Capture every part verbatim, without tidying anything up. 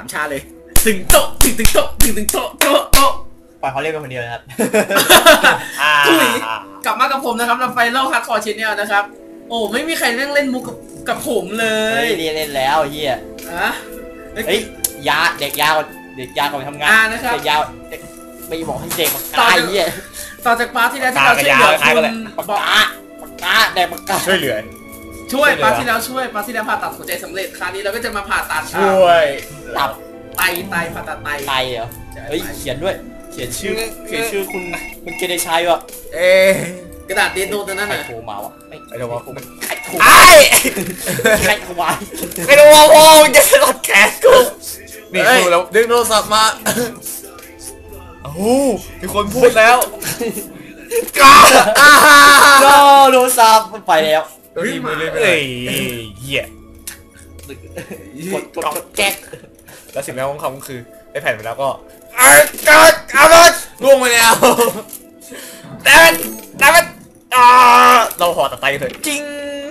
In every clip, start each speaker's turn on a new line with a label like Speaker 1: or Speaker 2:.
Speaker 1: ามชาเลยตึงโต๊ะตึงตึงโต๊ะตึงตึงโต๊ะโต๊ะโต๊ะ
Speaker 2: ปล่อยเขาเล่นเป็นคนเดียวนะครับ
Speaker 1: ทุยกลับมากับผมนะครับเราไฟเล่าฮาร์ดคอร์ชแนลนะครับโอ้ไม่มีใครเล่นเล่นมุกกับผมเลย
Speaker 2: เรียนเล่นแล้วเฮีย
Speaker 1: อะ
Speaker 2: เฮ้ยยาเด็กยาวเด็กยาวก่อนไปทำงานเด็กยาวเด็กไม่บอกให้เด็กตายเฮีย
Speaker 1: ต่อจากปาร์ทที่แล้วที่เราช่วยเหลือคุณ
Speaker 2: บอกอ่ะปากกาแดกปากกา
Speaker 3: ช่วยเหลือ
Speaker 1: ช่วยปาร์ทที่แล้วช่วยปาร์ทที่แล้วผ่าตัดหัวใจสำเร็จคราวนี้เราก็จะมาผ่าตัด
Speaker 3: ช่วย
Speaker 2: ตับ
Speaker 1: ไตไตผ่าตัดไต
Speaker 2: ไตเหรอเฮ้ยเขียนด้วยเขียนชื่อเขียนชื่อคุณคุณเกเดชัยวะ
Speaker 3: เอ๊
Speaker 1: กระดาษเดนโนตัวนั้นน่ะ
Speaker 2: โทรมาวะ
Speaker 3: ไม่ไอ้โทรมา
Speaker 2: ไอ้โทร
Speaker 3: ไอ้
Speaker 2: ไอ้โทรมา
Speaker 3: ไอ้โทรมาโว้ยจะสลัดแขนกูนี่ดูแล้วดึงโทรศัพท์มาโอ้โหมีคนพูดแล้วก้า
Speaker 2: ก็โทรศัพท์ไปแล้ว
Speaker 3: เฮ้ยเฮ้ยเหี้ย
Speaker 2: กดกดแจ็ค
Speaker 3: แล้วสิ่งแรกของเขาคือได้แผ่นไปแล้วก็อ้าวก้าเอาเลยล่วงไปแล้วแต่แต่อ่าเราห่อตัดไตเถอะจริง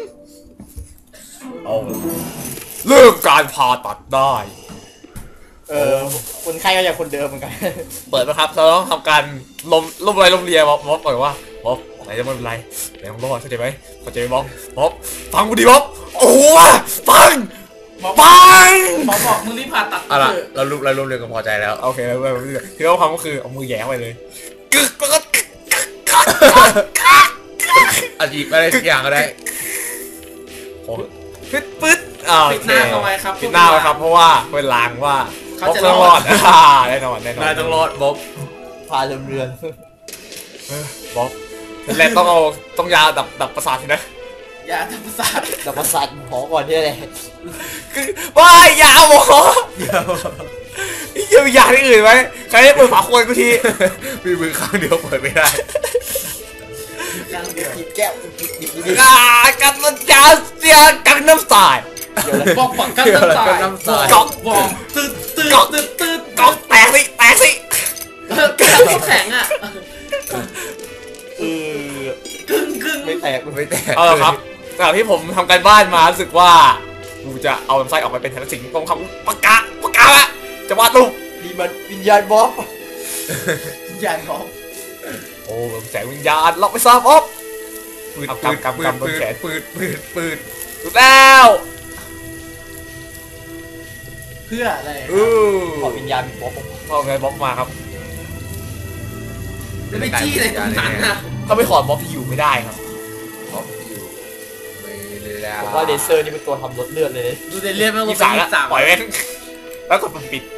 Speaker 3: เอาเลิกการผ่าตัดได้
Speaker 2: เออคนไข้ก็ยังคนเดิมเหมือนกัน
Speaker 3: เปิดนะครับเราต้องทำการลมลมอะไรลมเลียบ๊อบบ๊อบก่อนว่าบ๊อบไหนจะไม่เป็นไรไหนของบ๊อบเข้าใจไหมเข้าใจไหมบ๊อบบ๊อบฟังกูดิบ๊อบโอ้โหฟังฟัง
Speaker 1: หมอบอกมึงรีบผ่าตัด
Speaker 3: อะไรเราลุกเราลุกเรียนกันพอใจแล้วโอเคแล้วเราคือเราทำก็คือเอามือแย่ไปเลยกึกก็อาจจะอะไรทุกอย่างก็ได้โอ้ปึ๊ดปึ๊ดอ่า
Speaker 1: ปิดหน้าเอาไว้ครับ
Speaker 3: ปิดหน้าไว้ครับเพราะว่าเป็นลางว่า
Speaker 1: เขาจะ
Speaker 3: รอดอ่าแน่นอนแน่นอนต้องรอดบ๊อบ
Speaker 2: พาเรือนเรือน
Speaker 3: บ๊อบแล้วต้องเอาต้องยาดับดับประสาทนะ
Speaker 1: ยาดับประสาท
Speaker 2: ดับประสาทหมอก่อนที่อะไร
Speaker 3: คือว่ายาหมอยังมียาที่อื่นไหมใครได้เปิดฝาขวดกูทีมีมือข้างเดียวเปิดไม่ได้
Speaker 2: หยิบแก้วหยิบหยิบ
Speaker 3: อ่ากันน้ำจาเสียกันน้ำสาย
Speaker 1: บอกบอกกันน้ำสายกอกบอกตืดตืดตืดตืด
Speaker 3: กอกแตกสิแตกสิ
Speaker 1: กอกแข็งอ่ะ
Speaker 2: เออก
Speaker 1: ึ่งกึ่ง
Speaker 2: ไม่แตก
Speaker 3: ไม่แตกเออครับจากที่ผมทำการบ้านมารู้สึกว่ากูจะเอาลำไส้ออกมาเป็นแทนสิ่งตรงคำปากกาปากกาละจะวาดรูป
Speaker 2: นี่มันวิญญาณบ๊อบ
Speaker 1: วิญญาณบ๊อบ
Speaker 3: โอ้แสงวิญญาณล็อกไปซะบ๊อบปืนปืนกำกำบนแขนปืนปืนปืนถูกแล้ว
Speaker 1: เพื่ออะไร
Speaker 3: เออ
Speaker 2: ขอวิญญาณบ๊อบ
Speaker 3: พอไงบ๊อบมาครับ
Speaker 1: ไม่จี้เลยตรงนั้นนะ
Speaker 3: ถ้าไม่ขอบ๊อบอยู่ไม่ได้ครับบ๊อบอยู่ไม่แล้ว
Speaker 2: ผมว่าเลเซอร์นี่เป็นตัวทำรถเลือดเลย
Speaker 1: ดูเดเลือดมัน
Speaker 3: ก็เป็นสามปล่อยเว้นแล้วกดมันปิด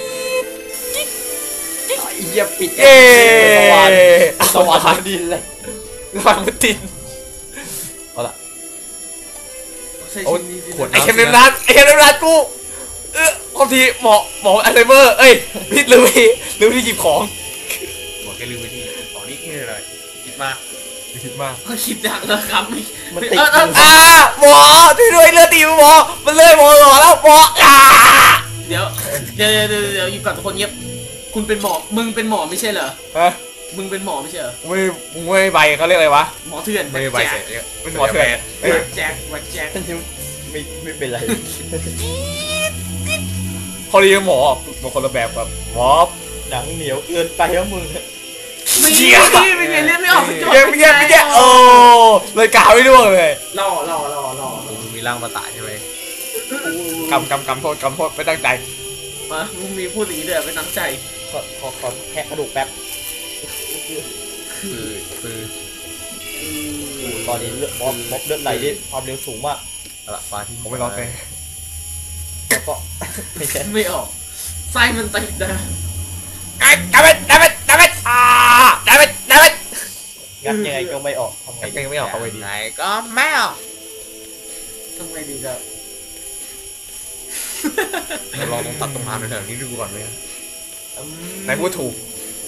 Speaker 2: เยี่ยมปิด
Speaker 3: เย้
Speaker 2: สวรรค์สวรรค์ดินเลย
Speaker 3: ฟังมันติด
Speaker 2: เอาละ
Speaker 3: โอ้ขวดไอเค็มเนมรัดไอเค็มเนมรัดกูเออพอทีหมอหมออัลไซเมอร์เอ้ยพิษลืมพี่ลืมที่หยิบของหมอแค่ลืมไปที่ของนี้นี่เลยคิดมากคิดมาก
Speaker 1: ก็คิดดังแล้วครับ
Speaker 2: มันติด
Speaker 3: อ่าหมอช่วยด้วยเลือดตีหมอมันเลยหมอหล่อแล้วหมออ่า
Speaker 1: เดี๋ยวเดี๋ยวเดี๋ยวเดี๋ยวอยู่กับทุกคนเงียบคุณเป็นหมอมึงเป็นหมอไม่ใช่เหรอ
Speaker 3: ฮะ
Speaker 1: มึงเป็นหมอไม่ใช่เหรอ
Speaker 3: ไม่มึงไม่ใบเขาเรียกอะไรวะ
Speaker 1: หมอเถื่อน
Speaker 3: ไม่ใบเสร็จเป็นหมอเถื่อน
Speaker 1: แจ็ควัดแจ็ค
Speaker 2: ไม่ไม่เป็นไร
Speaker 3: พอเรียกหมอบางคนละแบบแบบหมอ
Speaker 2: หนังเหนียวเกินไปแล้วมึง
Speaker 1: ไม่เยี่ยมไม่เยี่ยมเล่นไม่ออกไม่
Speaker 3: เยี่ยมไม่เยี่ยมไม่เยี่ยมโอ้เลยกาวไม่ร่วงเลย
Speaker 1: รอรอรอรอ
Speaker 3: มีร่างมาตายใช่ไหมกำกำกำโทษกำโทษไม่ตั้งใจ
Speaker 1: มามึงมีพูดอย่างนี้ด้วยไม่ตั้งใจ
Speaker 2: ขอขอขอแค่กระดูกแป๊บ
Speaker 3: คือคือ
Speaker 2: ตอนนี้เลือดบ๊อบบ๊อบเลือดไหลได้ความเร็วสูงมาก
Speaker 3: อะไรฟ้าที่ผมไม่ร้อนเลย
Speaker 2: แล้วก็ไม่ใช่
Speaker 1: ไม่ออกไส้มันติดนะ
Speaker 3: ไอ้ดับเบิ้ลดับเบิ้ลดับเบิ้ลอ่าดับเบิ้ลดับเบิ้ล
Speaker 2: งัดยังไงก็ไม่ออกทำไง
Speaker 3: ก็ไม่ออกเอาไว้ดี
Speaker 1: ไหนก็ไม่ออกทำไงดีครับ
Speaker 3: เราลองตัดตรงมาแถวนี้ดูก่อนไหมไหนพูดถูก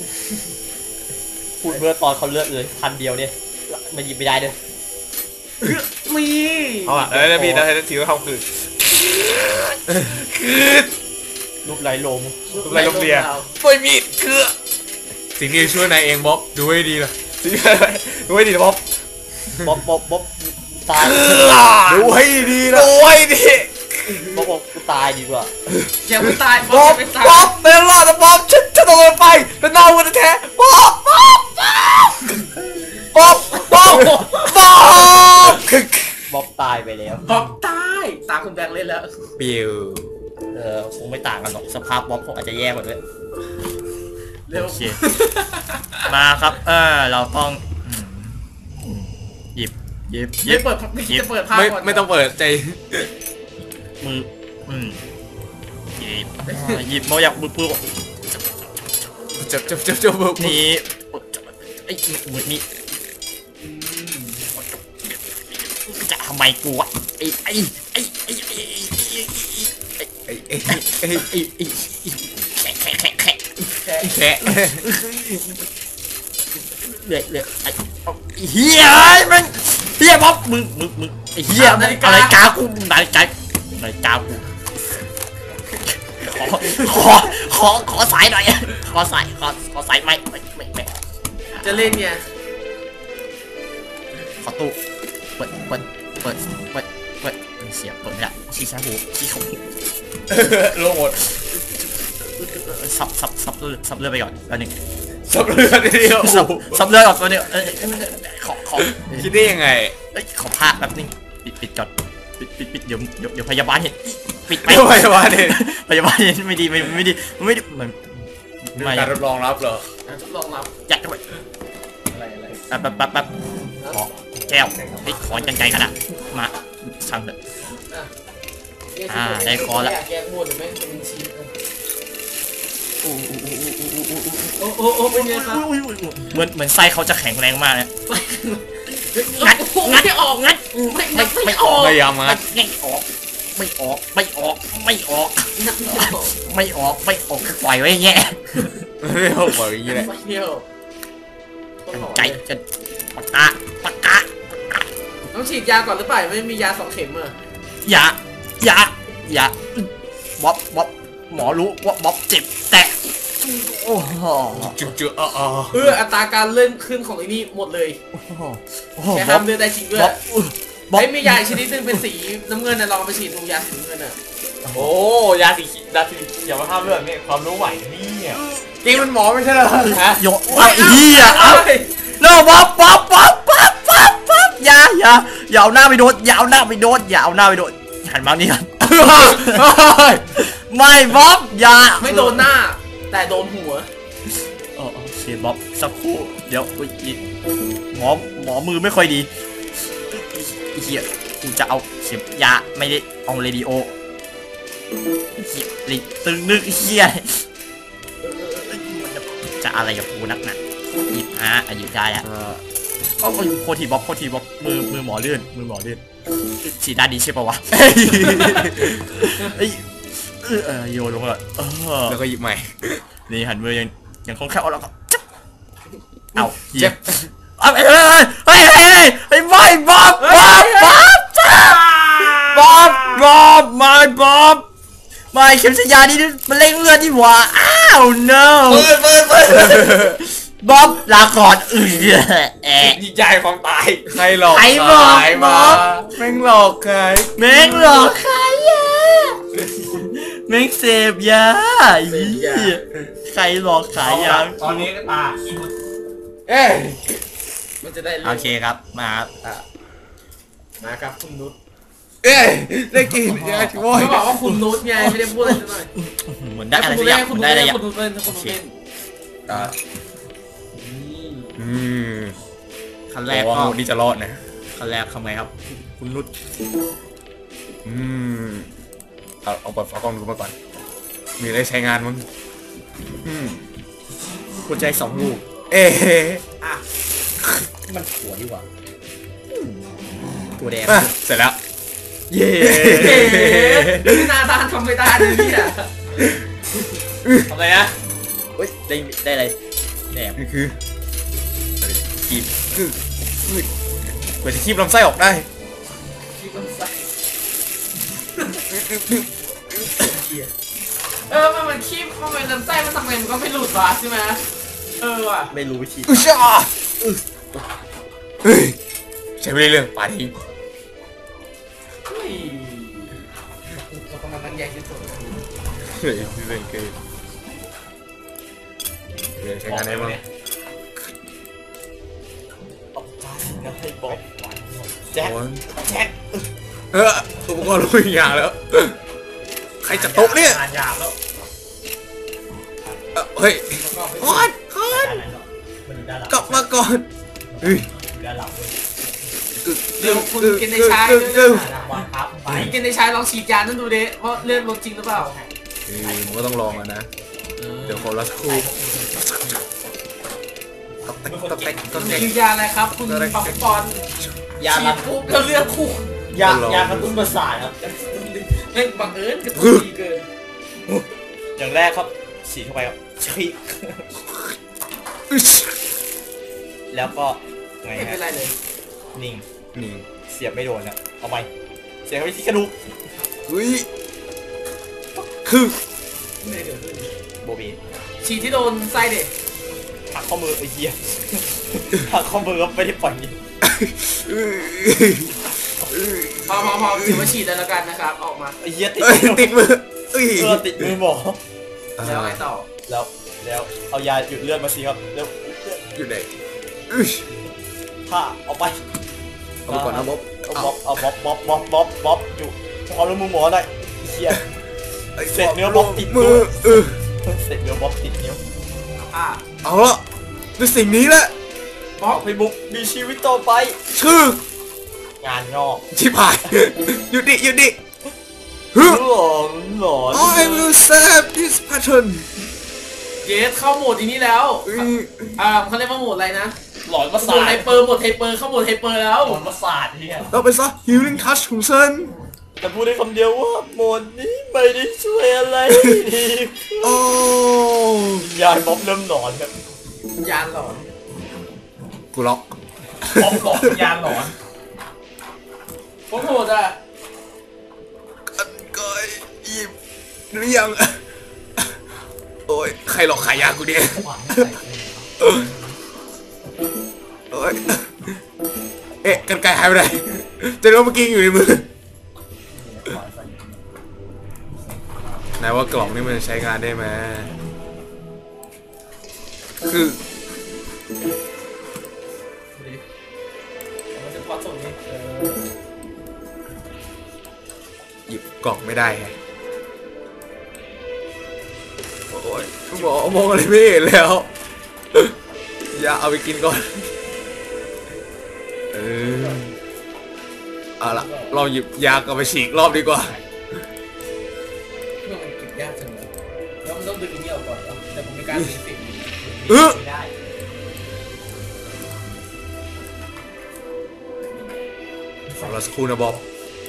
Speaker 2: พูดเมื่อตอนเขาเลือกเลยพันเดียวเนี่ยมันหยิบไม่ได้เลย
Speaker 1: มี
Speaker 3: เอาอ่ะแล้วมีแต่ทีว่าเขาคือคือ
Speaker 2: รูปไหลลม
Speaker 3: รูปไหลลมเดียไม่มีคือสิ่งนี้ช่วยนายเองบ๊อบดูให้ดีล่ะสิ่งอะไรดูให้ดีบ๊อบ
Speaker 2: บ๊อบบ๊อบบ๊อบตาย
Speaker 3: ดูให้ดีนะดูให้ดีค
Speaker 2: บอกบอกกูตายดีกว่า
Speaker 1: อย่าไปตาย
Speaker 3: บ๊อบ
Speaker 1: ไม่ตาย
Speaker 3: บ๊อบไม่รอดนะบ๊อบฉันฉันต้องลงไปเป็นเน่ากันแท้บ๊อบบ๊อบบ๊อบบ๊อบบ๊อบ
Speaker 2: บ๊อบตายไปแล้ว
Speaker 1: บ๊อบตายตาคุณแบงค์เล่นแล้ว
Speaker 3: ปิว
Speaker 2: เออคงไม่ต่างกันหรอกสภาพบ๊อบคงอาจจะแย่กว่าด้วย
Speaker 1: เร็ว
Speaker 2: โอเคมาครับเออเราต้องหยิบหยิบหยิ
Speaker 1: ไม่
Speaker 2: บ
Speaker 1: เปิดจะเปิดภาพ
Speaker 3: ไม่
Speaker 1: ก่อน
Speaker 3: ไม่ต้องเปิดใจ
Speaker 2: มืออืมหยิบอ่าหยิบมาอยากมือปืน
Speaker 3: จับจับจับจับบ๊อบ
Speaker 2: นี่ไอ้มือนี่จะทำไมกูวะไอ้ไอ้ไอ้ไอ้ไอ้ไอ้
Speaker 3: ไอ้ไอ้ไอ้
Speaker 2: ไอ้ไอ้แขะแขะแขะแขะ
Speaker 3: แค่
Speaker 2: เลื่อยเลื่อยไอ้เฮียมันเฮียบ๊อบมึงมึงมึงไอ้เฮียอะไรกากูนาฬิกานาฬิกากูขอขอขอสายหน่อยขอสายขอขอสายไม่ไม่ไม่ไม่
Speaker 1: จะเล่นเนี่ย
Speaker 2: ขอตู้เปิดเปิดเปิดเปิดเปิดเสียเปิดไม่ได้ชี้ช้าหูชี้ขง
Speaker 3: โลหมด
Speaker 2: ซับซับซับเลือดซับเลือดไปก่อนแล้วหนึ่ง
Speaker 3: สับเลือดเดียว
Speaker 2: ซับซับเลือดก่อนตัวนึงเออขอขอ
Speaker 3: คิดได้ยังไง
Speaker 2: เอ้ยขอพาแป๊บนึงปิดปิดก่อนปิดปิดปิดเดี๋ยวเดี๋ยวเดี๋ยวพยาบาลเห็นปิดไป
Speaker 3: ไม่ไหววะเนี่ย
Speaker 2: พยาบาลเห็นไม่ดีไม่ไม่ดีไม่ดีมัน
Speaker 3: มี
Speaker 2: ไม่
Speaker 3: การรับรองรับเหรอ
Speaker 1: ทดลองรับ
Speaker 2: ยัดเข้าไป
Speaker 1: อะไรอะไร
Speaker 2: แป๊บแป๊บแป๊บแป๊บขอแก้วไอ้ขอจังใจขนาดมาสั่งเถอะ อ่าได้คอละ
Speaker 1: แกงหมดหรือไม่เป็นชิ้น
Speaker 2: โอ้โห
Speaker 1: โอ้โอ้โอ้เป็นไงครับ
Speaker 2: เหมือนเหมือนไส้เขาจะแข็งแรงมากเลย
Speaker 1: งัดงัดไม่ออกงัดไม่ไม่ไม่ออก
Speaker 3: พยายามงัด
Speaker 2: ไม่ออกไม่ออกไม่ออกไม่ออก
Speaker 1: งัดไม่ออก
Speaker 2: ไม่ออกไม่ออกคือปล่อยไว้อย่างเงี้ย
Speaker 3: ไม่เอาบอกอย่างนี้แหละ
Speaker 1: ไม่เที่ยว
Speaker 2: ใจจะปากกาปากกา
Speaker 1: ต้องฉีดยาก่อนหรือเปล่าไม่มียาสองเข็มอ่ะ
Speaker 2: อย่าอย่าอย่าบ๊อบบ๊อบหมอรู้ว่าบ๊อบเจ็บแต่โอ้โห
Speaker 3: จุ๊จุ๊อ๋ออ๋อ
Speaker 1: เอออัตราการเลื่อนขึ้นของไอ้นี่หมดเลย
Speaker 2: โอ้โห
Speaker 1: แค่
Speaker 2: บ๊อบ
Speaker 1: ห้ามเลือดได้จริงด้วย
Speaker 2: บ๊อบบ๊อบ
Speaker 1: ไอ้มียาอีกชนิดนึงเป็นสีน้ำเงินนะลองเอาไปฉีดดูยาสีน้ำเงินอ่ะ
Speaker 3: โอ้ยาสียาสีอย่ามาห้ามเลือดนี่ความรู้ใหม่นี่เนี่ยจริงมันหมอไม่ใช่เหรอฮะ
Speaker 2: โยเอาเฮียเอาเร็วบ๊อบบ๊อบบ๊อบบ๊อบบ๊อบบ๊อบอย่าอย่าอย่าเอาหน้าไปโดนอย่าเอาหน้าไปโดนอย่าเอาหน้าไปโดนหันมานี่กันไม่บ๊อบอย่า
Speaker 1: ไม่โดนหน้า แต่โดนหัว
Speaker 2: โอเคบ๊อบสักครู่เดี๋ยวอุ๊ยอีหมอหมอมือไม่ค่อยดีเฮียกูจะเอาเข็มยาไม่ได้เอาเรดิโอเฮียลิตึงนึกเฮียจะอะไรกับกูนักหนาหยิบอ่ะหยิบได้อะก็โคทีบ๊อบโคทีบ๊อบมือมือหมอเลื่อนมือหมอเลื่อนฉีดด้านดีใช่ปะวะเอ้ยเออโยนลงมาเออ
Speaker 3: แล้วก็หยิบใหม่
Speaker 2: นี่หันมือยังยังคล่องแคล่วแล้วก็จับเอาเจ็
Speaker 3: เจ็
Speaker 2: บบ เอาเฮ้ยเฮ้ยเฮ้ยเฮ้ยไม่บ๊อบบ๊อบบ๊อบบ๊อบบ๊อบไม่บ๊อบไม่เข็มฉีดยานี่มันเล่งเลือดที่หัวอ้าว no
Speaker 3: เปิดเปิดเปิด
Speaker 2: บ๊อบลาก่อนเออแอะ
Speaker 3: ดีใจความตายใครหลอก
Speaker 2: ใครบอก
Speaker 3: ใคร
Speaker 2: บ
Speaker 3: มา
Speaker 2: อก
Speaker 3: แม่งหลอกใคร
Speaker 2: แม่งหลอกขายยาแม่งเสพยาใครหลอกขายยา
Speaker 3: ตอนนี้ก็ตาเอ้ย
Speaker 1: มันจะได้
Speaker 2: โอเคครับมา
Speaker 1: มาครับคุณนุช
Speaker 3: เอ้ยได้กินได้โว้ย
Speaker 1: เขาบอกว่าคุณนุชไงไม่ได้พูดอะไรสักหน่อย
Speaker 2: เหมือนได้อะไร
Speaker 1: คุณ
Speaker 2: สักอย่าง
Speaker 1: คุณ
Speaker 2: ได้
Speaker 1: นุช
Speaker 2: อะไร
Speaker 1: เล่น
Speaker 2: อย่าง
Speaker 1: คุณนุชเล่นคุณนุชเล่น
Speaker 3: อ่า
Speaker 1: อืม
Speaker 3: อืม
Speaker 2: ขั้นแร
Speaker 3: แร
Speaker 2: ก
Speaker 3: ก
Speaker 2: ก็
Speaker 3: ว่านี่จะรอดนะ
Speaker 2: ขั้นแรกทำไงครับ คุณนุช
Speaker 3: อืมเอาเอาเปิดฝากล้องดูมาก่อนมีอะไรใช้งานมั้งอืม
Speaker 2: หัวใจสองลูก
Speaker 3: เอ๊ะ
Speaker 1: อ่ะ
Speaker 2: มันหัวดีกว่าตัวแดง
Speaker 3: อ่ะเสร็จแล้ว เย้
Speaker 1: เฮ้ยนาดานทำไม่ได้เลยเนี่ย
Speaker 3: ทำไรนะ
Speaker 2: เฮ้ยได้ได้อะไรแหนม
Speaker 3: นี่คือคีบคือคือเปิดจะคีบลำไส้ออกได้
Speaker 1: คิดมันใส่เออมันมันคีบมันเป็นลำไส้มันทำไงมันก็ไม่หลุดวะใช่ไหมเออว่ะ
Speaker 2: ไม่รู้วิธี
Speaker 3: อุชาเฮ้ยใช้ไม่ได้เรื่องป่าทิ้ง
Speaker 1: เฮ้ยใหญ่ที่สุด
Speaker 3: เฮ้ยพี่เป็นคือเดี๋ยวใช้งานได้บ้าง
Speaker 2: นะให้บอกแจ็คแจ็ค
Speaker 3: เอออุปกรณ์รู้อีกอย่างแล้วใครจะโต๊ะเนี่ย
Speaker 2: งานหยาบแล้ว
Speaker 3: เฮ้ยคอนคอนกลับมาก่อนเฮ้ย
Speaker 1: เดี๋ยวคุณกินในชายคุณกินในชายลองฉีดยานั่นดูดิว่าเลือดลดจริงหรือเปล่า
Speaker 3: เออมันก็ต้องลองอ่ะนะเดี๋ยวขอรัสคูก็แตกก็แตกก็แตก
Speaker 1: คือยาอะไรครับคุณปักปอนยาลับปุ๊บแล้วเลือดคู่
Speaker 2: ยายากระตุ้นประสาทครับ
Speaker 1: เล่นบังเอิญกระตุ้นดีเกิน
Speaker 2: อย่างแรกครับฉีดเข้าไปครับฉีดแล้วก็ไง
Speaker 1: ไม่เป็น
Speaker 2: ฮะ
Speaker 1: ไรเลย
Speaker 2: นิ่ง
Speaker 3: นี่
Speaker 2: เสียบไม่โดนนะเอาไปเสียบไปที่กระดูก
Speaker 3: อุ้ยคือ
Speaker 1: ไม่เกิดขึ้น
Speaker 2: โบบี
Speaker 1: ฉีดที่โดนไส้เด็ก
Speaker 2: หักข้อมือไอ้เหี้ยหักข้อมือก็ไม่ได้ปล่อยนี่
Speaker 1: พอพอพอถือว่าฉีดได้แล้วกันนะครับออกมา
Speaker 2: ไอ้เหี้ยติด
Speaker 3: ติดมือเอ้ย
Speaker 2: เออติดมือหมอ
Speaker 1: แล้วไงต่อ
Speaker 2: แล้วแล้วเอายาหยุดเลือดมาสิครับแล้ว
Speaker 3: อยู่ไหน
Speaker 2: ผ้าเอาไป
Speaker 3: เอาไปก่อนนะบ๊อบ
Speaker 2: เอาบ๊อบเอาบ๊อบบ๊อบบ๊อบบ๊อบบ๊อบอยู่เอาแล้วมือหมอหน่อยเหี้ย เสร็จเนื้อบ๊อบติดมื
Speaker 3: มื
Speaker 2: อ
Speaker 3: อเออ
Speaker 2: เสร็จเดี๋ยวบ๊อบติดนิ้ว
Speaker 1: อ่ะ
Speaker 3: เอาละด้วยสิ่งนี้แหละ
Speaker 1: บล็อก
Speaker 2: ไปบุกมีชีวิตต่อไป
Speaker 3: ชื่อง
Speaker 2: านงอก
Speaker 3: ชิบหายหยุดดิหยุดดิฮึ
Speaker 2: หลอนหลอน
Speaker 3: I will save this pattern
Speaker 1: เยสเข้าโหมดอีนี้แล้ว
Speaker 3: อืม
Speaker 1: อ่าเขาเรียกว่าโหมดอะไรนะ
Speaker 2: หลอนประ
Speaker 1: โหม
Speaker 2: สา
Speaker 1: ด
Speaker 2: ท
Speaker 1: ไฮเปอร์โหมดไฮเปอร์เข้าโหมดไฮเปอร์แล้ว
Speaker 2: หลอนประสาทเนี่ย
Speaker 3: เราไปซะ healing touch ของฉัน
Speaker 2: แต่พูดได้คำเดียวว่าโหมดนี้ไม่ได้ช่วยอะไรดี
Speaker 3: โอ้
Speaker 2: ยายบ๊อบเริ่มหลอนครับ
Speaker 1: ยานหลอน
Speaker 3: กูล็อก
Speaker 2: บ๊อบบอกยานหลอน
Speaker 1: โคตรโหดอ่ะ
Speaker 3: กันไก่หยิบหรือยังโอ้ยใครหลอกขายยากูเนี่ยโอ้ยเอ๊ะกันไก่หายไปไหนจะรู้เมื่อกี้อยู่ในมือไหนว่ากล่องนี่มันใช้งานได้ไหมคือ
Speaker 1: มันจะพอส่งนี้
Speaker 3: หยิบกล่องไม่ได้ไงโอ้ยหมอมองอะไรไม่เห็นแล้ว อย่าเอาไปกินก่อนเออเอาละเราหยิบยากลับไปฉีกรอบดีกว่า
Speaker 1: เพื่อมันเก็บยากจังเลยแล้วมันต้องดึงอันนี้ออกก่อนเหรอแต่ผมไม่กล้าดึงสิ
Speaker 3: เออ
Speaker 1: ไม่ได้
Speaker 3: ฟังเราสักครู่นะบ๊อบ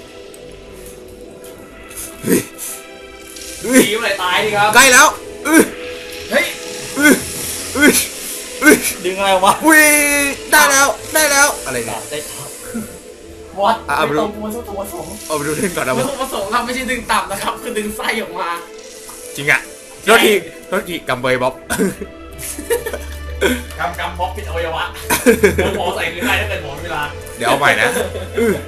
Speaker 3: เฮ้ยเฮ้ย
Speaker 1: ทีมอะไรตายดีครับ
Speaker 3: ใกล้แล้วเอ้ย
Speaker 1: เฮ้ย
Speaker 3: เอ้ยเอ้ยเอ้ย
Speaker 2: ดึงอะไรออกมา
Speaker 3: อุ้ยได้แล้วได้แล้วอะไรเนี่ย
Speaker 2: ได้ครับวัด
Speaker 3: อ่ะเอาไป
Speaker 2: ไม่
Speaker 3: ดู
Speaker 2: ต้องกลัวสักตัวสอง
Speaker 3: เอาไปดูเล่นก่อนนะ
Speaker 1: วั
Speaker 3: บ๊
Speaker 1: ต
Speaker 3: อบ
Speaker 1: ถุประสงค์เราไม่ใช่ดึงต่ำนะครับ คือดึงไส้ออกมา
Speaker 3: จริงอะโทษทีโทษทีกำเบยบ๊อบ
Speaker 2: กำกำบ๊อบปิดอวัยวะเดี๋ยวหมอใส่คือให้ถ้าเกิดหมอเวลา
Speaker 3: เดี๋ยวเอาใหม่นะอื้อ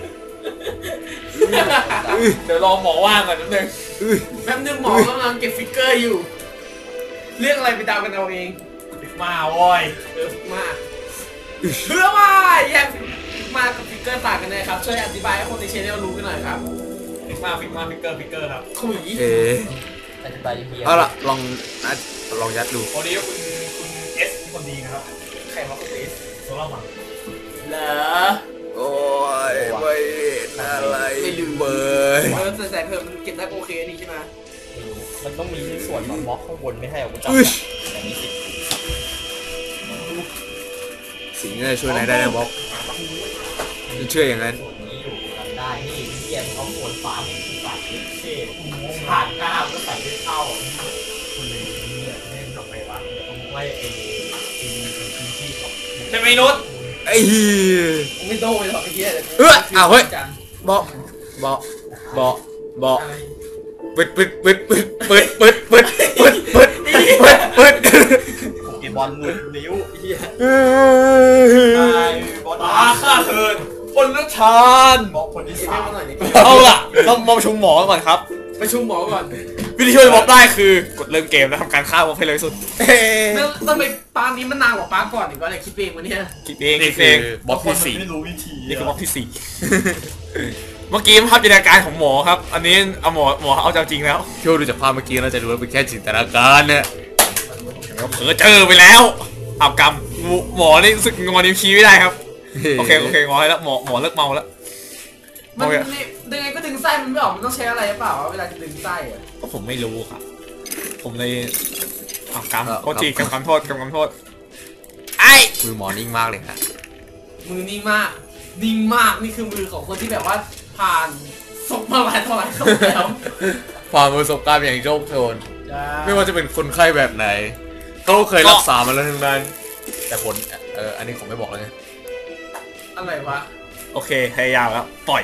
Speaker 2: เดี๋ยวรอหมอว่างก่อนนิดนึง
Speaker 3: อื้อ
Speaker 1: แป๊บนึงหมอกำลังเก็บฟิกเกอร์อยู่ เรื่องอะไรไปเดากันเอาเอง
Speaker 2: มาโว้ย
Speaker 1: เออมาเพื่อว่าแยกมากับฟิกเกอร์ต่างกันเลยครับ ช่วยอธิบายให้คนในเชนเนลรู้กันหน่อยครับ
Speaker 2: ฟิกมาฟิกมาฟิกเกอร์ฟิกเกอร์ครับ
Speaker 1: ขุย
Speaker 3: เอ๋
Speaker 2: อธิบายยังไง
Speaker 3: เอาละลองอ่ะลองยัดดู
Speaker 2: วันนี้คุณคุณเอสคนดีนะครับ
Speaker 1: ใครมาคุณเอส
Speaker 2: โซล่ามา
Speaker 1: เหรอ
Speaker 3: โอ้ยไม่เห็นอะไรเบย
Speaker 1: เออใส่เพิ่มมันเก็บได้โอเคนี่ใช่ไหม
Speaker 2: มันต้องมีส่วนของบล็อกข้างบนไม่ให้เอากูจับ
Speaker 3: อุ้ย
Speaker 2: อย่างนี้สิ
Speaker 3: สิ่งนี้จะช่วยนายได้นะบ๊อบฉันเชื่ออย่างนั้น
Speaker 2: ส่วนนี้อยู่กันได้นี่เรียนเขาโคนฟ้าไม่ใส่เท่ผ่านก้าวก็ใส่ไม่เข้าคุณเลยเนี่ยเล่นออกไปวะต้องไล่เองใช่ไหมนุช
Speaker 3: ไอ้เหี้ย
Speaker 1: ไม่โดนเลยหรอกไอ้เหี้ย
Speaker 3: เอ้ยอ้าวเฮ้ย บ๊อบบ๊อบบ๊อบบ๊อบปิดปิดปิดปิดปิดปิดปิดปิดปิดปิดปิด
Speaker 2: โปเกมอนหลุดนิ้วเฮีย
Speaker 3: เฮ้ย
Speaker 2: ตาข้าเถินคนละชานบอกคนที่
Speaker 1: เก็บ
Speaker 2: สา
Speaker 1: ให้
Speaker 2: ม
Speaker 1: มาหน่อยนี่
Speaker 2: เอาล่ะต้องมาประชุมหมอก่อนครับ
Speaker 1: ประชุมหมอก่อน
Speaker 3: วิธีช่วยม็อบได้คือกดเริ่มเกมแล้วทำการฆ่าม็อบให้เร็วที่สุด
Speaker 1: แล้วทำไมปานี้มันนานกว่าปาก่อนอีกวะเนี่ยคิดเองวะเนี่ย
Speaker 3: คิดเอง
Speaker 2: นี่
Speaker 3: คิด
Speaker 2: คื
Speaker 3: เอ
Speaker 2: อง บล็อกที่สี่
Speaker 4: ไม่รู้วิธี
Speaker 3: นี่คือม็อบที่สี่เมื่อกี้ภาพจินตนาการของหมอครับ อันนี้เอาหมอหมอเอาจริงแล้ว
Speaker 2: พี่ดูจากภาพเมื่อกี้เราจะรู้ว่าเป็นแค่จินตนาการเนี่ย
Speaker 3: เผลอเจอไปแล้วเอากำหมอนี่รู้สึกงอนิ้วชี้ไม่ได้ครับโอเคโอเคงอให้แล้วหมอหมอเลิกเมาแล้ว
Speaker 1: มันนี่ดึงไงก็ดึงไส้มันไม่ออกมันต้องใช้อะไรหรือเปล่าวะเวลาจะดึงไส้อะ
Speaker 3: ก็ผมไม่รู้ครับ ผมเลยเอากำโทษทีกำกำโทษกำกำโทษไอ้
Speaker 2: มือหมอนิ่งมากเลยฮะ
Speaker 1: มือนิ่งมากนิ่งมากนี่คือมือของคนที่แบบว่าผ่านศพมาหลายต่อหลายศพแล้ว
Speaker 2: ความประสบการณ์อย่างโชคโชนไม่ว่าจะเป็นคนไข้แบบไหนเขาเคยรักษามาแล้วทั้งนั้นแต่ผลเอออันนี้ผมไม่บอกแล้วไง
Speaker 1: อะไรวะ
Speaker 3: โอเคพยายามแล้วปล่อย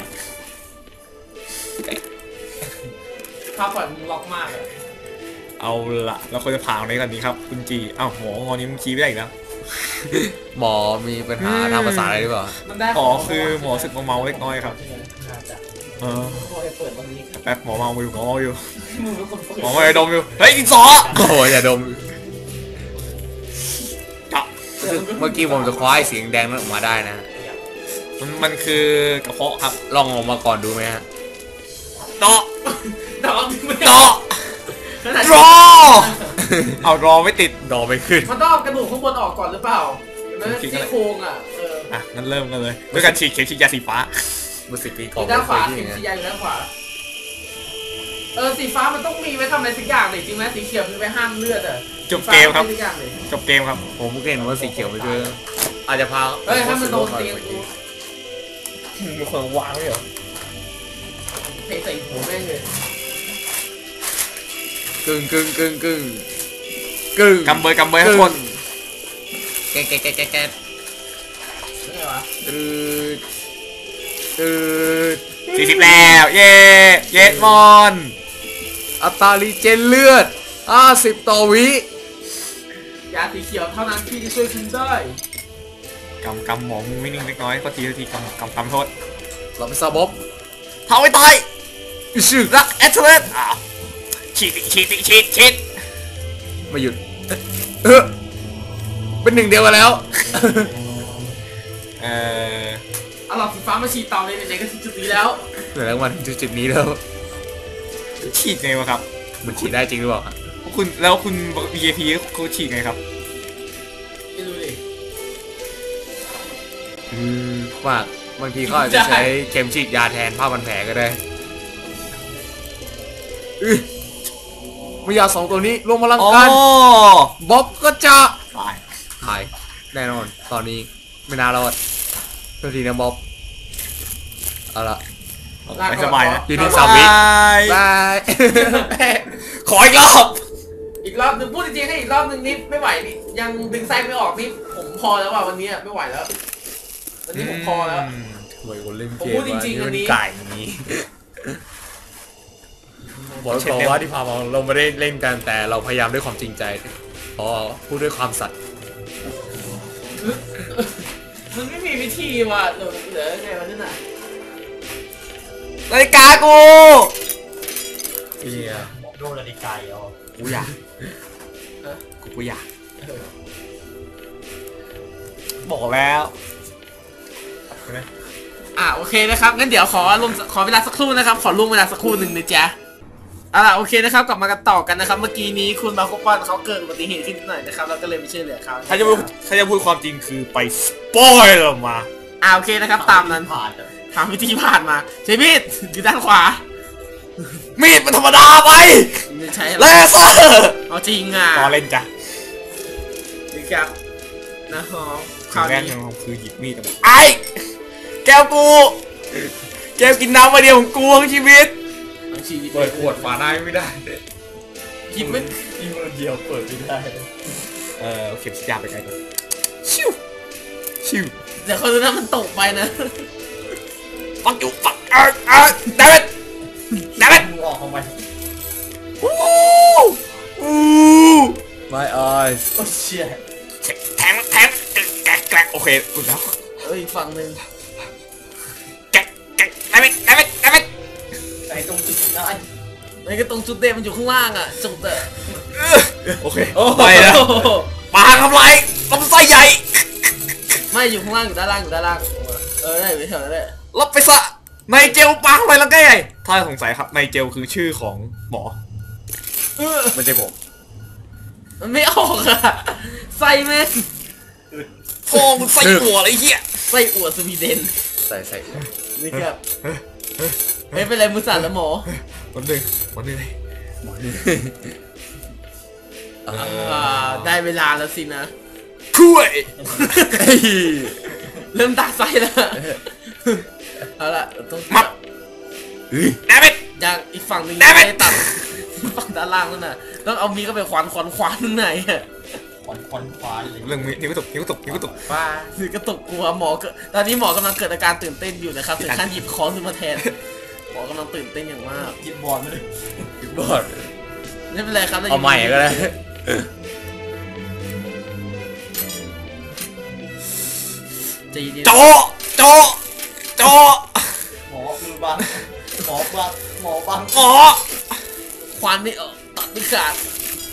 Speaker 1: ภาพปล่อยมึงล็อกมากเลย
Speaker 3: เอาละเราควรจะผ่าตรงนี้ก่อนดีครับคุณจีอ้าวหมองอนิ้วชี้ไม่ได้อีกแล้ว
Speaker 2: หมอมีปัญหาทางภาษาอะไรหรือเปล่า
Speaker 1: มันได้
Speaker 3: อ๋อคือหมอสึกเมาๆเล็กน้อยครับ
Speaker 1: น่าจะ
Speaker 3: เออ
Speaker 1: พอจะเปิดวันนี้
Speaker 3: แป๊บหมอเมาอยู่หมอเมาอยู่
Speaker 1: มึงเป็นคนเปิด
Speaker 3: หมอไม่ได้ดมอยู่เฮ้ยดินสอ
Speaker 2: โอ้โหอย่าดม
Speaker 3: จ้ะ
Speaker 2: เมื่อกี้ผมจะคว้าไอ้เสียงแดงนั้นออกมาได้นะ
Speaker 3: มันมันคือกระเพาะครับ
Speaker 2: ลองออกมาก่อนดูไหมฮะ
Speaker 3: เดาะ
Speaker 1: แต่ว่าไม่
Speaker 3: เดาะ
Speaker 1: ขนาด
Speaker 3: รอเอารอไม่ติด
Speaker 2: ดอไม่ขึ้น
Speaker 1: มันต้องเอากระดูกข้างบนออกก่อนหรือเปล่าเห็นไหม
Speaker 3: จริงๆก็
Speaker 1: ซี่
Speaker 3: เลย
Speaker 1: โครงอ่ะเออ
Speaker 3: อ่ะงั้นเริ่มกันเลยด้วยการฉีดเข็มฉีดยาสีฟ้า
Speaker 2: เมื่อสิบปีก่
Speaker 1: อ
Speaker 2: อน
Speaker 1: ยู่ด้านขวา
Speaker 2: ไม่
Speaker 1: สี
Speaker 2: เคย
Speaker 1: สีใหญ่อยู่ด้านขวาเออสีฟ้ามันต้องมีไว้ทำอะไรสักอย่างเลยจริงไหมสีเขียวมันไว้ห้ามเลือดอ่ะ
Speaker 3: จบเกมครับ
Speaker 1: สีฟ้าไว้สักอย่างเลย
Speaker 3: จบเกมครับ
Speaker 2: ผมเห็นว่าสีเขียวไปด้วยอาจจะพา
Speaker 1: เฮ้ยถ้ามันโดนเตียงกู
Speaker 3: มีคนวางไว้เหรอ
Speaker 1: เตะใส่หัวแม่งเลย
Speaker 2: กึ่งกึ่งกึ่งกึ่งกึ่ง
Speaker 3: กำเบยกำเบยทุกคน
Speaker 2: แกะแกะแกะแกะแกะ
Speaker 1: นี่ไงวะ
Speaker 2: ตืดตืด
Speaker 3: สี่สิบแล้วเย่เย็ดมอน
Speaker 2: อัตรารีเจนเลือดห้าสิบต่อวิ
Speaker 1: ยาสีเขียวเท่านั้นที่จะช่วยคุณได้
Speaker 3: กำกำหมอมือไม่นิ่งเล็กน้อยก็ทีทีกำกำกำโทษ
Speaker 2: เราไปซาบ๊อบ
Speaker 3: เท้าไว้ตาย
Speaker 2: ชื่อ
Speaker 3: รักแอตเลสอ่ะฉีดฉีดฉีดฉีด
Speaker 2: ไม่หยุดเออเป็นหนึ่งเดียวกันแล้ว
Speaker 3: เออ
Speaker 1: เอาหลอดสีฟ้ามาฉีดเตาเลยไหนๆก็ถึงจุดนี้แล้ว
Speaker 2: เหลือแล้วมันถึงจุดนี้แล้ว
Speaker 3: ฉีดไงวะครับ
Speaker 2: มันฉีดได้จริงหรือเปล่า
Speaker 3: คุณแล้วคุณ วี ไอ พี เขาฉีดไงครับ
Speaker 1: ไม่รู้ดิ
Speaker 2: อืมมากบางทีเขาอาจจะใช้เข็มฉีดยาแทนผ้าพันแผลก็ได้อื้อเมื่อยาสองตัวนี้รวมพลัง
Speaker 3: อ๋อ
Speaker 2: กันบ๊อบก็จะ
Speaker 3: ตาย
Speaker 2: หายแน่นอนตอนนี้ไม่น่ารอดโทษทีนะบ๊อบเอาละ
Speaker 3: ไม่สบายนะ
Speaker 2: อยู่ที่สามวิ
Speaker 3: บาย
Speaker 2: บาย
Speaker 3: ขออีกรอบ
Speaker 1: อีกรอบหนึงพูดจริงๆให้อีกรอบหนึงนี่ไม่ไหวนี่ยังดึงไส้ไม่ออกนี่ผมพอแล้วว่ะวันนี้อะไม่ไหวแล้ววันนี้ผมพอแล้ว
Speaker 2: ทำไมคนเล่น
Speaker 1: ผม
Speaker 2: เก
Speaker 1: พู
Speaker 2: ม
Speaker 1: ดจริงๆ
Speaker 2: วะ
Speaker 1: อันนี้
Speaker 2: มัไก่นี้บอกบอกว่าที่พามาเราไม่ได้เล่นกันแต่เราพยายามด้วยความจริงใจเพราะพูดด้วยความสัตย์
Speaker 1: มันไม่มีวิธีว่ะเหลือเหลือไงวันนั้นน่ะ
Speaker 3: นาฬิกากู
Speaker 2: เฮีย
Speaker 4: โดนนาฬิกาเอา
Speaker 3: กูอยากกูกูอยากบอกแล้ว
Speaker 1: อ่ะโอเคนะครับงั้นเดี๋ยวขอลงขอเวลาสักครู่นะครับขอล่วงเวลาสักครู่หนึ่งนะจ๊ะเอาล่ะโอเคนะครับกลับมากันต่อกันนะครับเมื่อกี้นี้คุณบาโคปอนเขาเกิดอุบัติเหตุขึ้นนิดหน่อยนะครับเราก็เลยไปช่วยเหลือเขา
Speaker 3: ถ้าจะพูดถ้าจะพูดความจริงคือไปสปอยล์ออกมา
Speaker 1: อ่าโอเคนะครับตามนั้น
Speaker 4: ผ่านอะ
Speaker 1: ทางวิธีผ่านมาใช้มีดอยู่ด้านขวา
Speaker 3: มีดมันธรรมดาไป
Speaker 1: ไม่ใช่
Speaker 3: เลเซอร์
Speaker 1: เอาจริงอ่ะ
Speaker 3: ต่อเล่นจ้ะ
Speaker 1: นี่ครับนะฮะค
Speaker 3: ครั้
Speaker 1: ราว
Speaker 3: งแรก
Speaker 1: นี้
Speaker 3: ของผมคือหยิบมีดออกมาไอ้แก้วกูแก้วกินน้ำมาเดียวของกูทั้งชีวิต
Speaker 1: ทั้งชีวิต
Speaker 2: เปิดขวดฝาได้ไม่ได้
Speaker 1: หยิบไม่
Speaker 4: ที่มือเดียวเปิดไม่ได้
Speaker 3: เออเอาเข็มฉีดยาไปไกลก่อนชิวชิว
Speaker 1: เดี๋ยวเขาดูนะมันตกไปนะ
Speaker 3: ฟักอยู่ฟักเออเออเดวิดเดวิด
Speaker 4: มึงออกทำไม
Speaker 3: อู้อู้
Speaker 2: My eyes
Speaker 4: โอ้เชี่ย
Speaker 3: แทงแทงแกะแกะโอเคอุ่นแล้ว
Speaker 1: เอ้ยอีกฝั่งหนึ่ง
Speaker 3: แกะแกะเดวิดเดวิดเดวิด
Speaker 4: ไอ้ตรงจุดนั้น
Speaker 1: ไอ้ก็ตรงจุดเด่นมันอยู่ข้างล่างอ่ะจุดอะ
Speaker 3: โอเคไปแล้วปลาทำไรลำไส้ใหญ่
Speaker 1: ไม่อยู่ข้างล่างอยู่ด้านล่างอยู่ด้านล่างเออได้อยู่แถวนั้นแหละ
Speaker 3: รับไปซะในเจลปลาทำไรแล้วไงถ้าสงสัยครับในเจลคือชื่อของหมอ
Speaker 1: เออ
Speaker 3: ไม่ใช่ผม
Speaker 1: มันไม่ออกอะไส้แม่ง
Speaker 3: โอ้มึงไส้หัวอะไรเหี้ย
Speaker 1: ไส้อั่วสวีเดน
Speaker 2: ใส่ใส่
Speaker 1: นี่ครับไม่เป็นไรมือสั่นแล้วหมอ
Speaker 3: วันหนึ่งวันหนึ่ง
Speaker 1: อ่าได้เวลาแล้วสินะ
Speaker 3: ช่วย
Speaker 1: เริ่มตาไส้แล้วเอาละต้อง
Speaker 3: มับแดมิด
Speaker 1: อย่างอีกฝั่งหนึ่ง
Speaker 3: Damn it
Speaker 1: ไม่ได้ตัดฝั่งด้านล่างนั่นน่ะต้องเอามีดก็ไปควานควานควานข้างในอะ
Speaker 4: ควันควันควันเลย
Speaker 3: เรื่องนิ้วกระตุกนิ้วกระตุกนิ้วกระตุก
Speaker 2: ป้า
Speaker 1: คือกระตุกกลัวหมอก็ตอนนี้หมอกำลังเกิดอาการตื่นเต้นอยู่นะครับถึงขั้นหยิบค้อนขึ้นมาแทนหมอกำลังตื่นเต้นอย่างมาก
Speaker 4: ยิบบอลมาเลย
Speaker 2: บอด
Speaker 1: ไม่เป็นไรครับ
Speaker 2: เอาใหม่ก็ได้
Speaker 1: ใจเย็น
Speaker 3: โจโจโจ
Speaker 4: หมอมือบังหมอบังหมอบัง
Speaker 3: หมอ
Speaker 1: ควานไม่ออกตัดไม่ขาด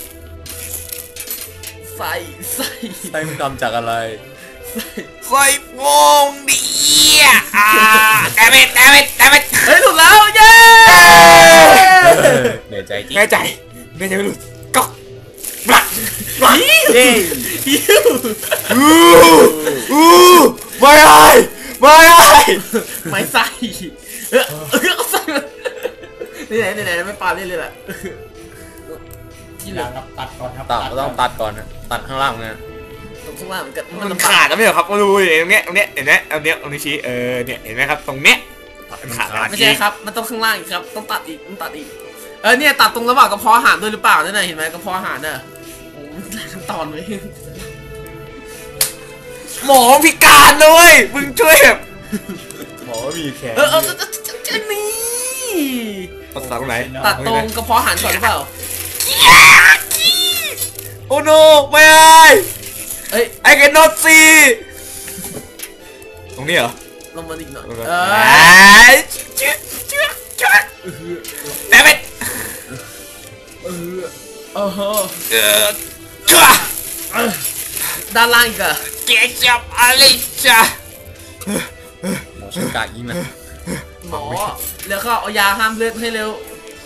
Speaker 1: ใส่ใส่
Speaker 2: ใส่มึงทำจากอะไร
Speaker 3: ไส้งงดีอ่าแดมิดแดมิดแดมิด
Speaker 1: เฮ้ยถูกแล้วเย้
Speaker 2: เหนื่อยใจจริง
Speaker 3: แน่ใจแน่ใจไม่หลุดก็บลักบลัก
Speaker 2: เย้
Speaker 1: ยิว
Speaker 3: อู้อู้ไม่ได้ไม่ได้
Speaker 1: ไม่ใส่เออเออเอาใส่มานี่ไหนนี่ไหนไม่ปาเล่นเลยแหละที่เหลื
Speaker 4: ยา
Speaker 1: อ
Speaker 4: ครับตัดก่อนครับ
Speaker 2: ตัดต้องตัดก่อนนะตัดข้างล่างนะ
Speaker 1: ตรงข้างล่างมันก็มั
Speaker 3: มัน น
Speaker 1: ลำบา
Speaker 3: ขาด
Speaker 1: ก
Speaker 3: นะไม่เหรอครับมาดูตรงเนี้ยตรงเนี้ยเห็นไหมตรงเนี้ยตรงนี้ชี้เออเนี่ยเห็นไหมครับตรงเนี้ยมันขาดแล้ว
Speaker 1: ไม่ใช่ครับมันต้องข้างล่างอีกครับต้องตัดอีกต้องตัดอีกเออเนี่ยตัดตรงระหว่างกระเพาะอาหารด้วยหรือเปล่านั่นน่ะเห็นไหมกระเพาะอาหารน่ะโอ้มันหลายขั้นตอนเลย
Speaker 3: หมอพิการเลยมึงช่วยแบบ
Speaker 2: หมอมีแขน
Speaker 1: เออเออเออเออนี่
Speaker 3: ตัดตรงไหน
Speaker 1: ตัดตรงกระเพาะอาหารก่อนหรือเปล่า
Speaker 3: โอ้โนไม่ได้
Speaker 1: เอ้ย
Speaker 3: ไอ้แกนอตซีตรงนี้เหรอ
Speaker 1: ลงมาอีกหน่อย
Speaker 3: เอ
Speaker 1: เอ
Speaker 3: อ
Speaker 1: อ
Speaker 3: เชื่อเชื่อเชื่อแดมิด
Speaker 1: เออเออ
Speaker 3: เออเชื่อ
Speaker 1: ด้านล่างอีกอะ
Speaker 3: เกจับอะไรจ้ะ
Speaker 2: หมอชักกะยิงนะ
Speaker 1: หมอแล้วก็เอายาห้ามเลือดให้เร็ว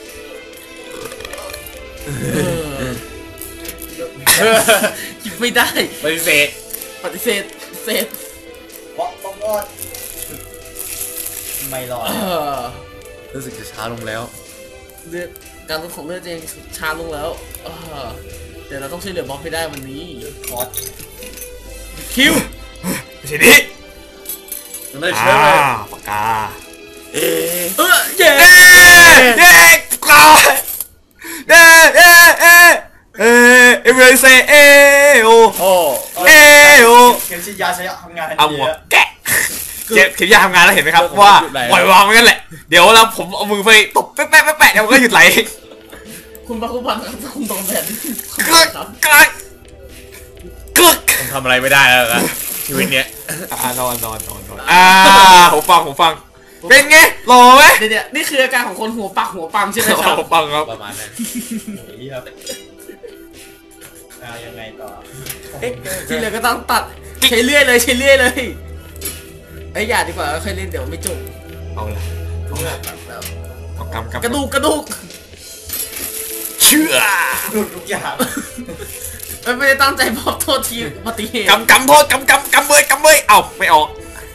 Speaker 1: คิดไม่ได้
Speaker 2: ปฏิเสธ
Speaker 1: ปฏิเสธปฏิเสธ
Speaker 4: เพราะต้องรอดไม่รอด
Speaker 1: เออ
Speaker 2: รู้สึกจะช้าลงแล้ว
Speaker 1: เลือดการลดของเลือดเองช้าลงแล้วเออเดี๋ยวเราต้องช่วยเหลือบอสให้ได้วันนี้
Speaker 4: คอร์ส
Speaker 1: คิว
Speaker 3: ทีนี้
Speaker 2: ไม่
Speaker 3: อ่า
Speaker 2: ใช่เลย
Speaker 3: ปากกา
Speaker 2: เอ๊ะ
Speaker 1: เออเย้
Speaker 3: เย้เย้กาเย้เย้เย้เอ้เอเวอร์เซเอโอ
Speaker 2: โอ้
Speaker 3: เอโอ
Speaker 4: เข็มฉีดยาใช้ทำงาน
Speaker 3: เอาหัวแกะเจ็บเข็มยาทำงานแล้วเห็นไหมครับว่าปล่อยวางไว้กันแหละเดี๋ยวเราผมเอามือไปตบแป๊ะแป๊ะแป๊ะแป๊ะเดี๋ยวมันก็หยุดไหล
Speaker 1: คุณพระคุณพันครับคุณตรงแบบนี้
Speaker 3: กึกกึกกึก
Speaker 2: ผมทำอะไรไม่ได้แล้วนะชีวิตเนี้ย
Speaker 3: อ่านอนนอนนอนนอนอ่าผมฟังผมฟังเป็นไงหล่อไหม
Speaker 1: เดี๋ยวเดี๋ยวนี่คืออาการของคนหัวปักหัวปังใช่ไหมครับ
Speaker 3: ผมฟังครับ
Speaker 2: ประมาณนั้น
Speaker 4: โอ้ยครับอ่ายังไงต่อ
Speaker 1: ที่เหลือก็ต้องตัดใช้เลื่อยเลยใช้เลื่อยเลยไอ้ยอย่าดีกว่าค่อยเล่นเดี๋ยวไม่จบ
Speaker 3: เอาละ
Speaker 1: ตัดแล้ว
Speaker 3: เอากำกำ
Speaker 1: กระดูกกระดูก
Speaker 3: เชื่อ
Speaker 4: หลุดทุกอย่าง
Speaker 1: ไม่ไม่ได้ตั้งใจบอกโทษทีอุบัติเหตุ
Speaker 3: กำกำโทษกำกำกำเบยกำเบยเอ้าไม่ออก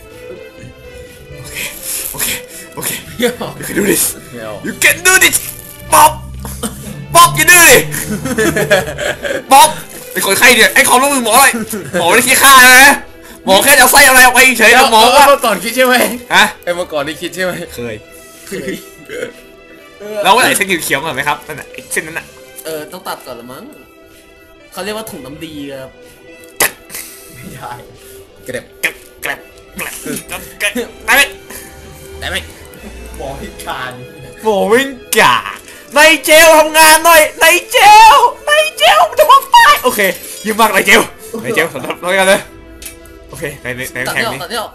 Speaker 3: โอเคโอเค
Speaker 1: เดี๋ยว
Speaker 3: you can do this
Speaker 2: ไม่เอา
Speaker 3: you can do this บ๊อบบ๊อบอย่าดื้อดิบ๊อบไอ้คนไข้เนี่ยไอ้ความร่วมมือหมออะไรหมอไม่ได้คิดค่านะหมอแค่จะเอาไส้อะไรออกไปเฉยๆหมอว่า
Speaker 2: เมื่อก่อนคิดใช่ไหม
Speaker 3: ฮะ
Speaker 2: ไอ้เมื่อก่อนนี่คิดใช่ไหม
Speaker 3: เคยแล้วว่าไหนเส้นเขียวๆก่อนไหมครับนั่นน่ะไอ้เส้นนั้นน่ะ
Speaker 1: เออต้องตัดก่อนละมั้งเขาเรียกว่าถุงน้ำดีครับ
Speaker 4: ไม่ได้
Speaker 2: เก็บ
Speaker 3: แกรบแกรบแกรบแกรบแกรบได้ไหม
Speaker 2: ได้ไหม
Speaker 4: หมอพิการ
Speaker 3: โอ้วิ่งกาในเจลทำงานหน่อยในเจลในเจลมันจะมองตายโอเคยืมมากในเจลในเจลสำหรับเรากันเลยโอเคในในใน
Speaker 1: ตัด
Speaker 3: แข่ง
Speaker 1: ไม่ออก
Speaker 3: นี้
Speaker 1: ตัดไม่ออก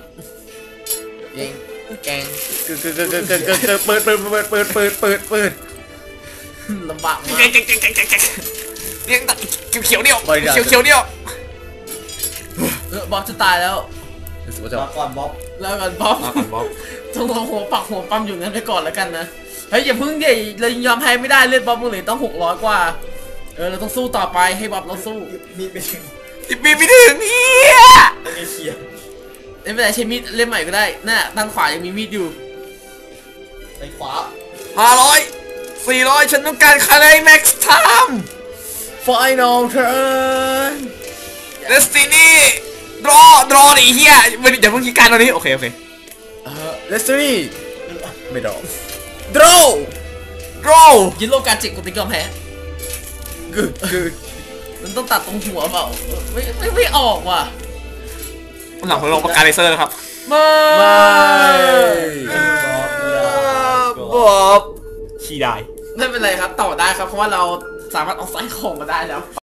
Speaker 2: ยิงแกงกึกกึกกึกกึกกึกกึกเปิดเปิดเปิดเปิดเปิดเปิดเปิด
Speaker 1: ลำบากมาก
Speaker 3: เก่งเก่งเก่งเก่งเก่งเก่งเลี้ยงตัดเขียวๆเดียวเขียวเขียวๆเดียว
Speaker 1: เออบ๊อบจะตายแล้ว
Speaker 2: รู้สึกว่าจะ
Speaker 4: มาก่อนบ๊อบ
Speaker 1: แล้วก่อนบ๊อบ
Speaker 3: มาก่อนบ๊อบ
Speaker 1: ต้องรอหัวปักหัวปั๊มอยู่งั้นไปก่อนแล้วกันนะเฮ้ยอย่าพึ่งดิเรายอมแพ้ไม่ได้เลือดบ๊อบมึงเหลือต้องหกร้อยกว่าเออเราต้องสู้ต่อไปให้บ๊อบเราสู้
Speaker 4: มีไปถึง
Speaker 3: สิบปีไม่ถึงเฮีย
Speaker 4: เอเชีย
Speaker 1: ไม่เป็นไรใช้มีดเล่มใหม่ก็ได้น่ะด้านขวายังมีมีดอยู่
Speaker 4: ไปขวา
Speaker 3: ห้าร้อยสี่ร้อยฉันต้องการคาร์ไลแม็กซ์ไทม์
Speaker 1: Final turn
Speaker 3: เดสตินีดรอดรอดิเฮียมันอย่าเพิ่งคิดการตอนนี้โอเคโอเค
Speaker 2: เออเลสเตอรี่ไม่ดอก draw
Speaker 3: ดรอ
Speaker 1: ยินโลกาจิกกูติ๊กยอมแพ้
Speaker 2: กึกกึก
Speaker 1: มันต้องตัดตรงหัวเปล่าเออไม่ไม่ไม่ออกว่ะ
Speaker 3: หลังผมลงปากกาเลเซอร์นะครับ
Speaker 1: ไม่
Speaker 2: ไม่
Speaker 3: บ๊อบขี้ได้
Speaker 1: ไม่เป็นไรครับต่อได้ครับเพราะว่าเราสามารถเอาไซส์ของมาได้แล้ว